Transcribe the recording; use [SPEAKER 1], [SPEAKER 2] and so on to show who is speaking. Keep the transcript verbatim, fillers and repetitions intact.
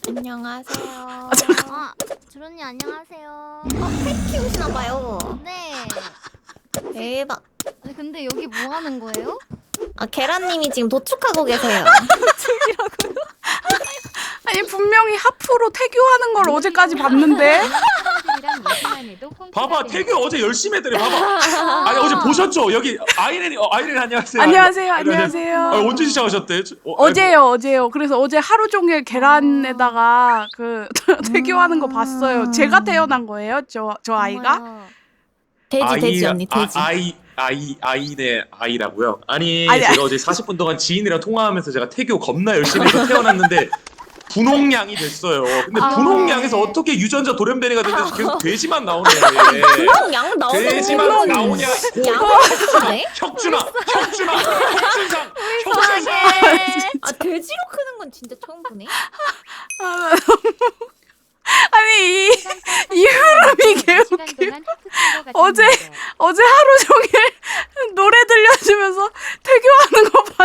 [SPEAKER 1] 안녕하세요.
[SPEAKER 2] 아, 주론님 안녕하세요.
[SPEAKER 1] 어, 펫 키우시나봐요.
[SPEAKER 2] 네.
[SPEAKER 1] 대박.
[SPEAKER 2] 아니 근데 여기 뭐 하는 거예요?
[SPEAKER 1] 아, 계란님이 지금 도축하고 계세요.
[SPEAKER 3] 아니 분명히 하프로 태교하는 걸 어제까지 봤는데.
[SPEAKER 4] 봐봐 태교 어제 열심히 했더니 봐봐. 아니 어제 보셨죠? 여기 아이렌이 어, 아이렌 안녕하세요.
[SPEAKER 3] 안녕하세요,
[SPEAKER 4] 아이렌.
[SPEAKER 3] 안녕하세요.
[SPEAKER 4] 아, 언제 시작하셨대? 어,
[SPEAKER 3] 어제요, 어제요. 그래서 어제 하루 종일 계란에다가 그 태교하는 거 봤어요. 제가 태어난 거예요, 저 저 아이가.
[SPEAKER 2] 어머요.
[SPEAKER 1] 돼지, 돼지 언니, 돼지.
[SPEAKER 4] 아, 아이 아이 아이네 아이라고요? 아니,
[SPEAKER 3] 아니,
[SPEAKER 4] 제가
[SPEAKER 3] 아니.
[SPEAKER 4] 어제 사십 분 동안 지인이랑 통화하면서 제가 태교 겁나 열심히 해서 태어났는데 분홍양이 됐어요. 근데
[SPEAKER 3] 아,
[SPEAKER 4] 분홍양에서
[SPEAKER 2] 네.
[SPEAKER 4] 어떻게 유전자 돌연변이가 됐는지 계속 돼지만 나오네.
[SPEAKER 1] 분홍 양 나오는
[SPEAKER 4] 돼지만
[SPEAKER 1] 분홍
[SPEAKER 4] 나오냐?
[SPEAKER 1] 양을 네
[SPEAKER 4] 혁준아, 혁준아, 혁준상, 혁준상.
[SPEAKER 1] 아, 돼지로 크는 건 진짜 처음 보네.
[SPEAKER 3] 아, 아니 이, 이 흐름이 개웃겨. 어제 어제 하루 종일 노래 들려주면서 태교하는 거